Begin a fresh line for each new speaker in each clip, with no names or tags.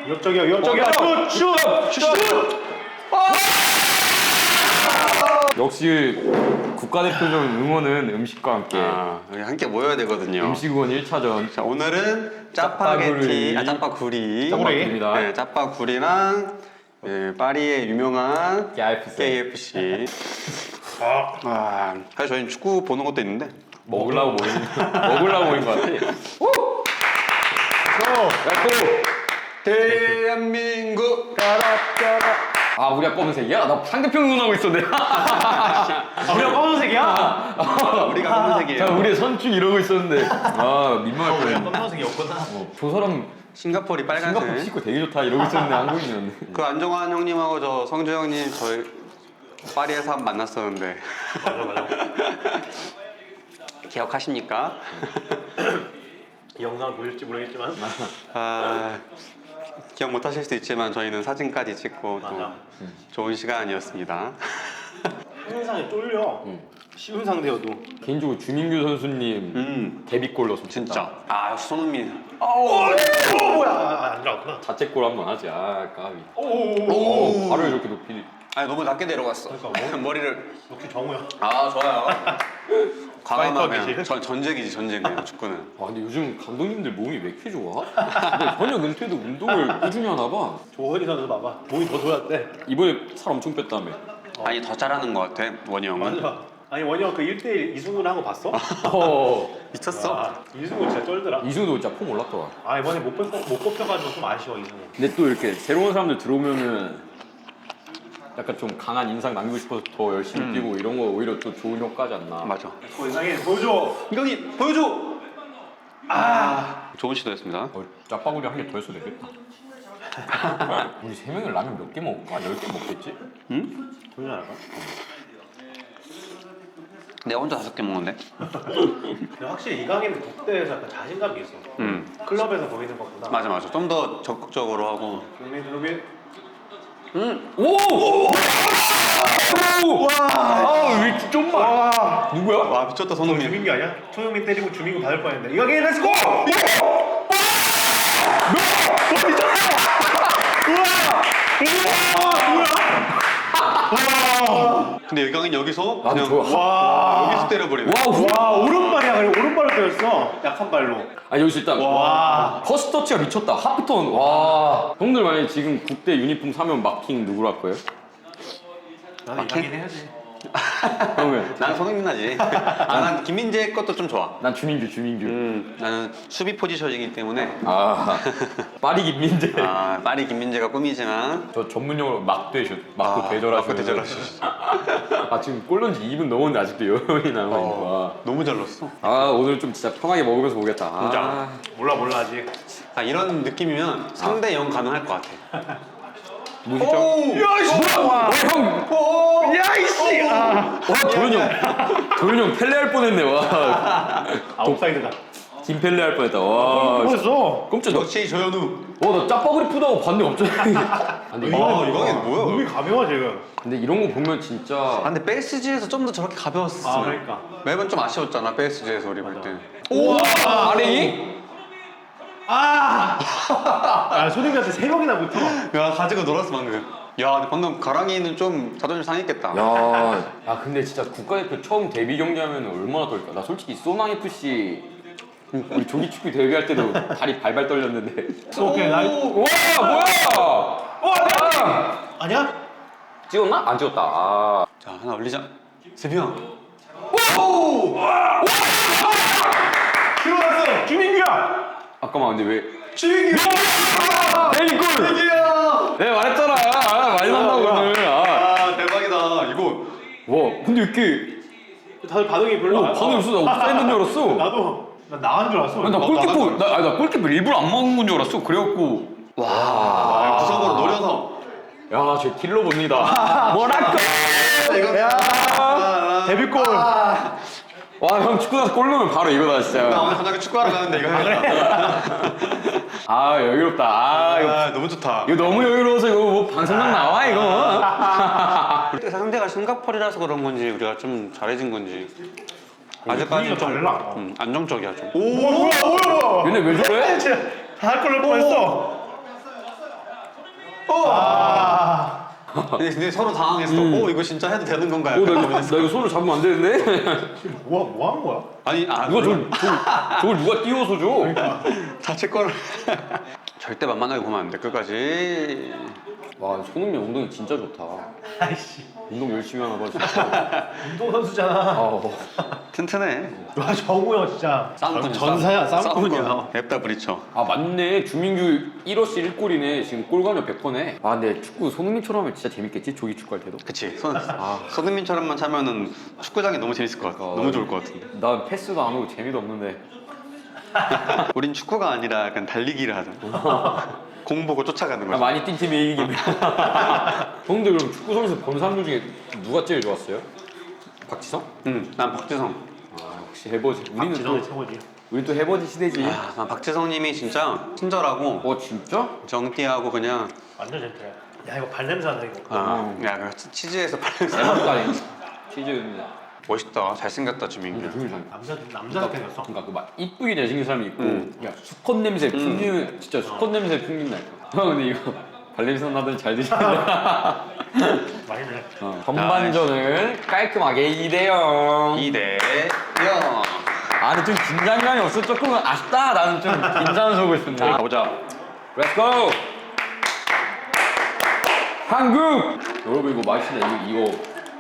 위협적이야 위협적이야. 슛.
역시 국가대표전 응원은 음식과 함께.
여기 함께 모여야 되거든요.
음식 응원 1차전.
자, 오늘은 짜파게티, 짜파구리.
짜파구리입니다.
네, 짜파구리랑 네, 파리의 유명한 KFC. 사실 저희는 축구 보는 것도 있는데
먹으려고 모인 것 같아.
대한민국
아, 우리가 검은색이야? 나 상대편 응원하고 있었네.
우리가 검은색이야.
우리가 검은색이에요.
자, 우리의 선축 이러고 있었는데. 아, 민망할
우리가
뻔했네.
검은색이었구나.
저 사람
싱가포르
싱가포르
빨간색.
치고 되게 좋다 이러고 있었는데 한국인이었네.
그 안정환 형님하고 저 성주 형님 저희 파리에서 한번 만났었는데
맞아.
기억하십니까?
이 영상을 보실지 모르겠지만.
기억 못하실 수도 있지만 저희는 사진까지 찍고 또
맞아.
좋은 시간이었습니다.
항상에 쫄려. 쉬운 상대여도.
개인적으로 주민규 선수님 데뷔골 넣었으면
진짜. 손흥민.
뭐야? 안 들어갔구나.
자책골 한번 하지. 아, 까비.
오.
발을 이렇게 높이.
너무 낮게 내려갔어.
그러니까
머리를.
역시 정우야.
좋아요. 과감하면
파이터기지.
전쟁이지 전쟁 그냥 축구는.
아, 근데 요즘 감독님들 몸이 왜 이렇게 좋아? 근데 현역 은퇴도 운동을 꾸준히 하나 봐.
조현희 선수 봐봐. 몸이 더 좋았대.
이번에 살 엄청 뺐다며.
아니 더 잘하는 것 같아 원희 형은.
맞아. 아니 원희 형그 1대1 이승훈 한거 봤어?
미쳤어.
와, 이승훈 진짜 쩔더라.
이승우도 진짜 폼 올랐더라.
이번에 못 뽑혀가지고 좀 아쉬워 이승훈.
근데 또 이렇게 새로운 사람들 들어오면은 약간 좀 강한 인상 남기고 싶어서 더 열심히 뛰고 이런 거 오히려 또 좋은 효과지 않나.
맞아.
이상해 보여줘.
이강인 보여줘. 좋은 시도였습니다.
짜파구리 한 개 더 했어도 되겠다. 우리 세 명이 라면 몇 개 먹을까? 10개 먹겠지?
보여줘 할까?
내가 혼자 5개 먹는데.
근데 확실히 이강인은 국대에서 약간 자신감이 있어. 클럽에서 보이는 것보다.
맞아. 좀 더 적극적으로 하고.
조민.
오! 와! 왜 좀만. 누구야?
와 미쳤다 손흥민.
주민규 아니야? 손흥민 때리고 주민규 받을 뻔했는데 이강인 렛츠고!
근데 이강인 여기서
나도
그냥
좋아.
와.
여기서 때려버리네.
와 오른발이야. 그리고 오른발로 때렸어. 약한 발로.
아, 여기서 일단
와.
퍼스트 터치가 미쳤다. 하프턴. 와. 형들 만약에 지금 국대 유니폼 사면 마킹 누구로 할 거예요?
나는 이강인 해야지.
형은?
난 손흥민 하지. 난 김민재 것도 좀 좋아.
난 주민규.
나는 수비 포지션이기 때문에.
파리 김민재.
파리 김민재가 꿈이지만.
저 전문용어로 막대슛. 막고 대절하시는.
막고 대절하시죠.
지금 골 넣은 지 2분 넘었는데 아직도 여운이 남아있는 거야.
너무 잘 넣었어.
오늘 좀 진짜 편하게 먹으면서 오겠다.
진짜. 몰라 아직.
이런 느낌이면 3대0 가능할 것 같아.
무시점. 형!
야이씨.
도현이 형 펠레 할 뻔했네. 와.
옵사이드다.
김펠레 할 뻔했다. 와.
뭐였어?
깜짝 놀랐.
역시 조현우.
나 짜파구리 푸다고 봤는데 갑자기. 근데
이강인 뭐야?
몸이 가벼워 지금.
근데 이런 거 보면 진짜.
근데 PSG에서 좀 더 저렇게 가벼웠었으면.
그러니까.
매번 좀 아쉬웠잖아 PSG에서 우리 볼 때.
아레이?
손흥민한테 3명이나 붙어.
야 가지고 놀았어 방금. 야 근데 방금 가랑이는 좀 자존심 상했겠다.
야, 근데 진짜 국가대표 처음 데뷔 경기하면 얼마나 떨까? 나 솔직히 소망 FC 우리 조기 축구 데뷔할 때도 다리 발발 떨렸는데.
오케이 나이.
와, 뭐야?
아니야?
찍었나? 안 찍었다.
자 하나 올리자. 세비야.
들어왔어. 주민규야.
잠깐만, 근데 왜?
주민규.
데뷔골!
주민규야.
내가 말했잖아. 많이 난다고 오늘.
대박이다 이거.
와, 근데 왜 이렇게
다들 반응이 별로 안
반응 없어? 나 옵사이드인 줄 알았어.
나도 나 나간 줄 알았어.
나 골키퍼, 나 골키퍼 일부러 안 먹은 건 줄 알았어. 그래갖고.
구석으로 노려서.
야, 저 킬러 봅니다. 뭐랄까?
데뷔골.
와, 형 축구 나서 골 넣으면 바로 이거다
나
진짜.
오늘 저녁에 축구하러 가는데 이거 해야겠다.
여유롭다. 이거
너무 좋다.
이거 너무 여유로워서 이거 뭐 방송각 나와 이거.
그때 상대가 싱가포르라서 그런 건지 우리가 좀 잘해진 건지 아직까지 좀
달라.
안정적이야 좀.
오 뭐야.
얘네 왜 저래?
다할 걸로 뻔했어. 아.
근데 서로 당황했어. 오 이거 진짜 해도 되는 건가? 약간
나
고민했어.
이거 손을 잡으면 안 되는데?
지금 뭐 하는 거야?
아니
누가 저걸 누가 띄워서 줘?
자체 거를 절대 만만하게 보면 안 돼. 끝까지.
와 손흥민 엉덩이 진짜 좋다.
아이씨.
운동 열심히 하나 봐 진짜.
운동선수잖아.
아,
튼튼해.
와 정우영 진짜.
쌈꾼이야.
전사야 쌈꾼이야.
앱다 브리쳐.
아 맞네. 주민규 1어시 1골이네. 지금 골감력 100%네. 아 근데 축구 손흥민처럼 하면 진짜 재밌겠지? 조기 축구할 때도.
그치. 손흥민처럼만 차면은 축구장이 너무 재밌을 것 같아. 너무 좋을 것 같은데.
난 패스도 안 오고 재미도 없는데.
우린 축구가 아니라 약간 달리기를 하잖아. 공 보고 쫓아가는
아,
거지.
많이 뛴 팀이 이기긴. 형들 그럼 축구 선수 본 사람들 중에 누가 제일 좋았어요? 박지성?
응, 난 박지성.
아 역시 해버지. 우리는
박지성이
또
최고지.
우리 또 해버지 시대지.
아, 난 박지성님이 진짜 친절하고
어 진짜?
정띠하고 그냥
완전 젠틀해. 야 이거 발냄새 난다 이거.
그 치즈에서 발냄새.
대박가리 치즈.
멋있다. 잘생겼다 주민규.
남자 생겼어.
그러니까 그 막 이쁘게 잘생긴 사람이 있고, 야 수컷 냄새 풍기는 진짜 수컷 냄새 풍긴다. 형 근데 이거 발냄새 나더니 잘 드시네.
맛있네.
전반전을 깔끔하게 2대0.
2대0.
아 근데 좀 긴장감이 없어. 조금 아쉽다. 나는 좀 긴장을 하고 있었는데.
가보자.
Let's go. 한국. 여러분 이거 맛있네. 이거.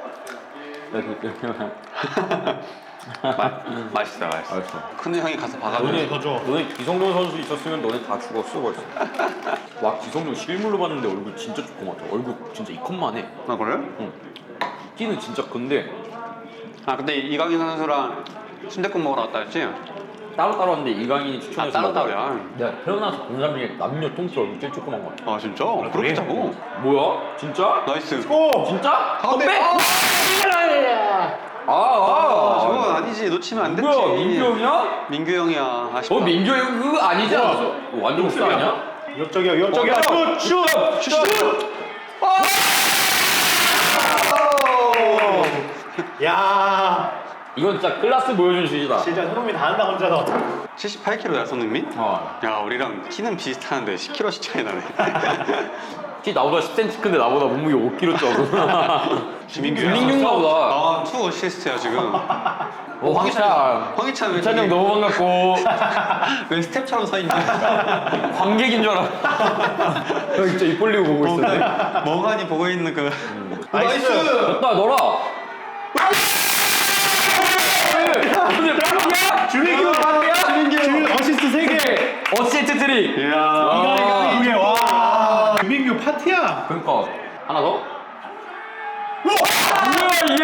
맛있어.
알았어.
큰 형이 가서 봐가지고.
너네
더 줘.
너네 기성용 선수 있었으면 너네 다 죽었어 벌써. 와 기성용 실물로 봤는데 얼굴 진짜 조그맣다. 얼굴 진짜 이컷만 해.
아 그래?
키는 진짜 큰데
아 근데 이강인 선수랑 순댓국 먹으러 왔다 했지?
따로따로 왔는데 이강인이 추천해서
따로따로야.
내가 태어나서 본 사람 중에 남녀 통틀어 얼굴 제일 조그만 거 같아.
아 진짜? 그렇게 자고?
뭐야? 진짜?
나이스.
오.
진짜?
가운데.
너 빼!
저건 아니지. 놓치면 안 됐지.
뭐야 민규 형이야?
민규 형이야. 아쉽다.
민규 형 그거 아니지 않았어? 완전 흡사 아니야?
위협적이야 위협적이야. 슛. 야.
이건 진짜 클라스 보여준 슛이다.
진짜 손흥민 다 한다 혼자서.
78kg야 손흥민?
어.
야 우리랑 키는 비슷하는데 10kg씩 차이 나네.
키 나보다 10cm 큰데 나보다 몸무게 5kg 적어.
주민규
보다.
투 어시스트야 지금.
황희찬.
황희찬 왜
황희찬 형 너무 반갑고
왜 스텝처럼 서 있냐?
관객인 줄 알아. 형 진짜 입 벌리고 보고 있었네.
멍하니 보고 있는 그.
나이스.
됐다 넣어라.
주민규 반대야? 주민규 어시스트 3개.
어시스트 트릭.
이야.
이거 2개. 와. 주민규 파티야.
그러니까 하나 더. 뭐야 이게?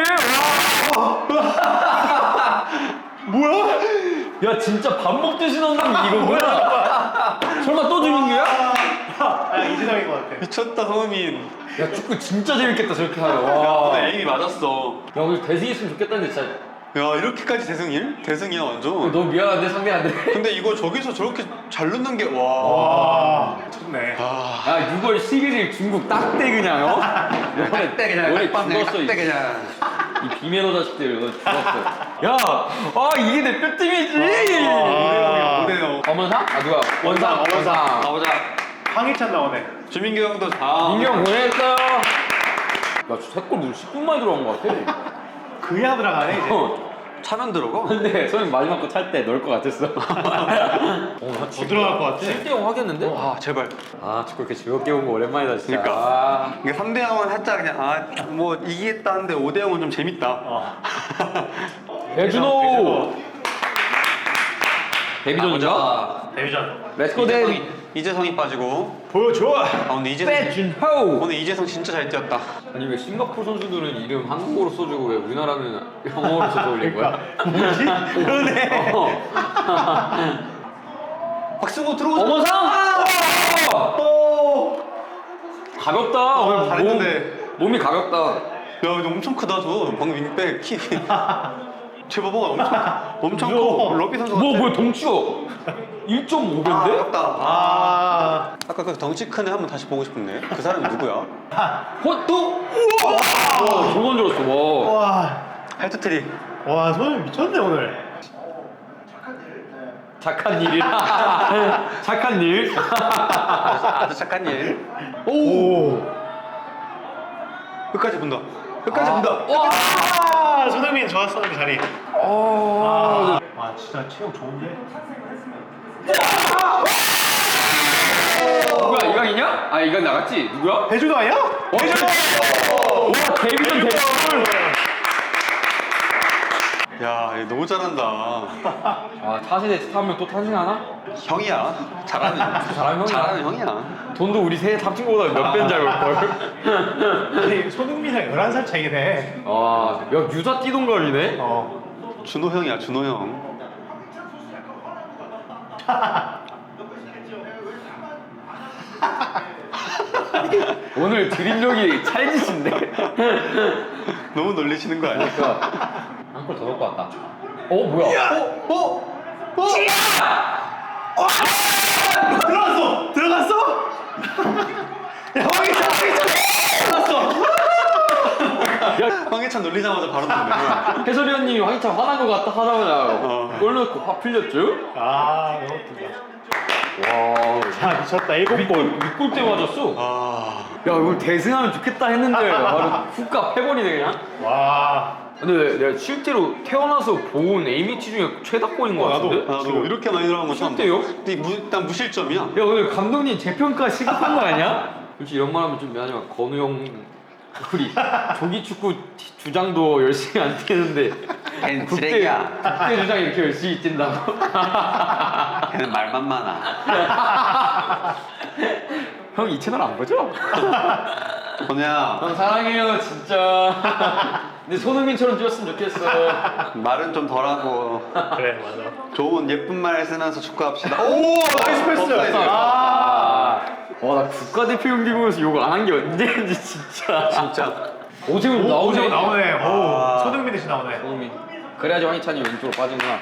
뭐야?
야 진짜 밥 먹듯이 넣는 이거 뭐야? 설마 또 주민규야?
아 이재성인 것 같아.
미쳤다 성민.
야 축구 진짜 재밌겠다 저렇게 하면. 와.
나 에임이 맞았어.
야 우리 대승했으면 좋겠다는데 진짜.
야 이렇게까지 대승일? 대승이야 완전.
너무 미안한데 상대 안 돼.
근데 이거 저기서 저렇게 잘 넣는 게 와.
와. 미쳤네.
야 6월 11일 중국 딱대 그냥 어?
딱대 그냥.
너네
딱대
죽었어
그냥.
이 비매너 자식들 너 죽었어. 야, 이게 대표팀이지.
5대0.
엄원상? 아 누가? 원상.
가보자.
황희찬 나오네.
주민규 형도
민규 형 고생했어요. 야, 세골 무슨 10분 만에 들어간 것 같아.
그야 들어가네 이제.
차면 들어가?
근데 소영 마지막 거 찰 때 넣을 것 같았어.
더 들어갈 것 같아.
7대0 하겠는데?
와 제발.
아 축구 이렇게 즐겁게 본 거 오랜만이다 진짜.
그러니까. 이게 3대0은 살짝 그냥 뭐 이기겠다는데 5대0은 좀 재밌다.
배준호. 데뷔전이다.
데뷔전.
렛츠고 데뷔.
이재성이 빠지고.
보여줘.
아 근데 이재성
배준호.
오늘 이재성 진짜 잘 뛰었다.
아니 왜 싱가포르 선수들은 이름 한국어로 써주고 왜 우리나라는 영어로 써서 올린 거야?
뭐지? 그러네.
박승호 들어오자.
어머상! 가볍다. 오늘
잘했는데.
몸이 가볍다.
야 근데 엄청 크다 저 방금 윙백 키. 제 봐봐 엄청 커. 러비 선수 같아.
뭐야 동치가 1.5배인데?
아깝다.
아.
아까 그 덩치 큰 애 한번 다시 보고 싶은데 그 사람이 누구야?
또? 우와! 저건 줄 알았어. 와.
와.
헤드트릭.
와 손흥민 미쳤네 오늘.
착한 일이라. 착한 일.
아주 착한 일.
오.
끝까지 본다. 끝까지 본다.
아, 손흥민 좋았어 그 자리.
어.
아, 진짜 체형 좋은데?
누구야 이강이냐? 아 이강 나갔지? 누구야?
배준호 아니야? 배준호.
와 데뷔전 데뷔.
야, 얘 너무 잘한다.
아 차세대 스타 한 명 또 탄생하나?
형이야. 잘하는
잘하는 형이야.
잘하는 형이야.
돈도 우리 세 합친 거보다 몇 배인 줄 알걸.
아니, 손흥민이랑 11살 차이네.
아, 야 유자 뛰동갑이네.
준호 형이야, 준호 형.
오늘 드립력이 찰지신데.
너무 놀리시는 거 아니야?
한 골 더 넣고 왔다. 뭐야?
들어갔어? 야, 황희찬 들어갔어.
황희찬 놀리자마자 바로 넣네.
해설위원님이 황희찬 화난 것 같다 하자마자 골 넣고 화 풀렸죠?
아, 너무 웃긴다.
와,
야, 미쳤다. 7골.
6골 때 맞았어.
아,
야, 이걸 대승하면 좋겠다 했는데 바로 훅가 패버리네 그냥.
와.
근데 내가 실제로 태어나서 본 A매치 중에 최다골인 것 같은데?
나도 이렇게 많이 들어간 거 처음 봐.
실제요?
근데 일단 무실점이야.
야 오늘 감독님 재평가 시급한 거 아니야? 솔직히 이런 말 하면 좀 미안하지만 건우 형 우리 조기축구 주장도 열심히 안 뛰는데
걔는
국대
쓰레기야.
주장 이렇게 열심히 뛴다고?
걔는 말만 많아.
형 이 채널 안 보죠?
건우야,
형 사랑해요 진짜. 근데 손흥민처럼 뛰었으면 좋겠어.
말은 좀 덜하고
그래, 맞아.
좋은 예쁜 말 쓰면서 축구합시다.
오, 나이스 패스.
업사이드.
아.
와 나 국가대표 경기 보면서 욕을 안 한 게 언제인지 진짜.
진짜.
오세훈 나오네.
나오네.
아.
오, 손흥민 대신 나오네.
손흥민. 그래야지 황희찬이 왼쪽으로 빠지구나.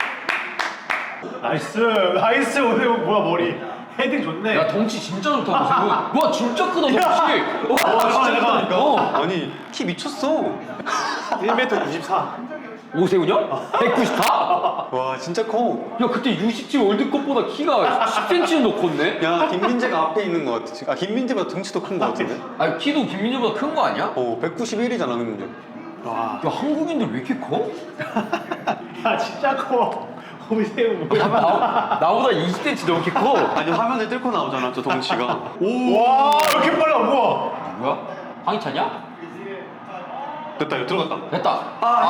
나이스. 나이스. 오늘 뭐야, 머리. 헤딩 좋네.
야 덩치 진짜 좋다 오세훈. 와 진짜 크다 덩치. 와
진짜 크다니까.
아니, 키 미쳤어.
1m 94.
오세훈이야? 194?
와, 진짜 커.
야 그때 U17 월드컵보다 키가 10cm는 더 컸네?
야, 김민재가 앞에 있는 거 같아. 지금. 아, 김민재보다 등치도 큰 거 같은데?
아니 키도 김민재보다 큰 거 아니야?
191이잖아, 김민재.
와.
야 한국인들 왜 이렇게 커?
야, 진짜 커. 오세훈 뭐야.
나보다 20cm 넘게 커.
아니, 화면에 뜰고 나오잖아, 저 덩치가. 오!
와, 이렇게 빨라. 우와.
뭐야? 황희찬이야?
됐다, 이거 들어갔다.
됐다.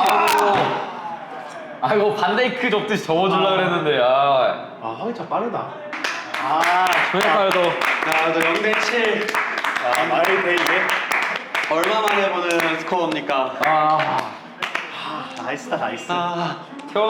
아이고 반다이크 접듯이 접어주려고 그랬는데 아.
아, 황희찬 빠르다. 아,
조약하여도
야, 너 0대7.
아, 말이 돼, 이게?
얼마 만에 보는 스코어입니까?
아.
나이스다, 나이스.
아.